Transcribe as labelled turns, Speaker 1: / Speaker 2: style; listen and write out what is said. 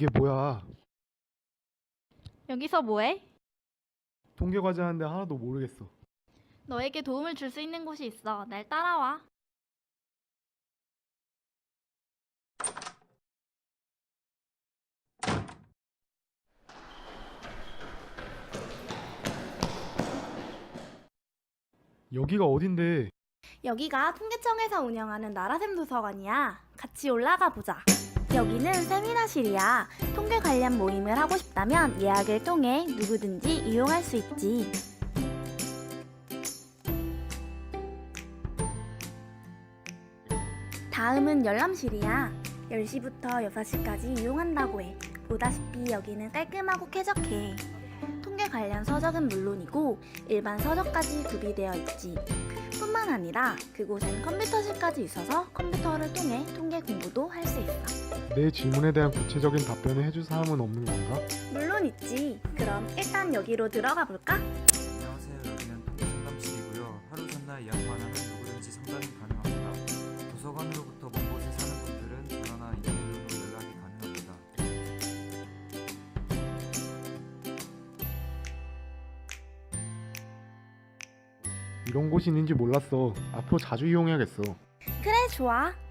Speaker 1: 이게 뭐야?
Speaker 2: 여기서 뭐해?
Speaker 1: 통계 과제 하는데 하나도 모르겠어.
Speaker 2: 너에게 도움을 줄 수 있는 곳이 있어. 날 따라와.
Speaker 1: 여기가 어딘데?
Speaker 3: 여기가 통계청에서 운영하는 나라샘 도서관이야. 같이 올라가 보자. 여기는 세미나실이야. 통계 관련 모임을 하고 싶다면 예약을 통해 누구든지 이용할 수 있지. 다음은 열람실이야. 10시부터 6시까지 이용한다고 해. 보다시피 여기는 깔끔하고 쾌적해. 통계 관련 서적은 물론이고 일반 서적까지 구비되어 있지. 뿐만 아니라 그곳엔 컴퓨터실까지 있어서 컴퓨터를 통해 통계 공부도 할 수 있어.
Speaker 1: 내 질문에 대한 구체적인 답변을 해줄 사람은 없는 건가?
Speaker 3: 물론 있지. 그럼 일단 여기로 들어가 볼까?
Speaker 4: 안녕하세요. 여기는 통계 상담실이고요. 하루 전날 예약만 하면 누구든지 상담이 가능합니다. 도서관으로부터 먼 곳에 사는 분들은 전화나 이메일로도 연락이 가능합니다.
Speaker 1: 이런 곳이 있는지 몰랐어. 앞으로 자주 이용해야겠어.
Speaker 3: 그래, 좋아.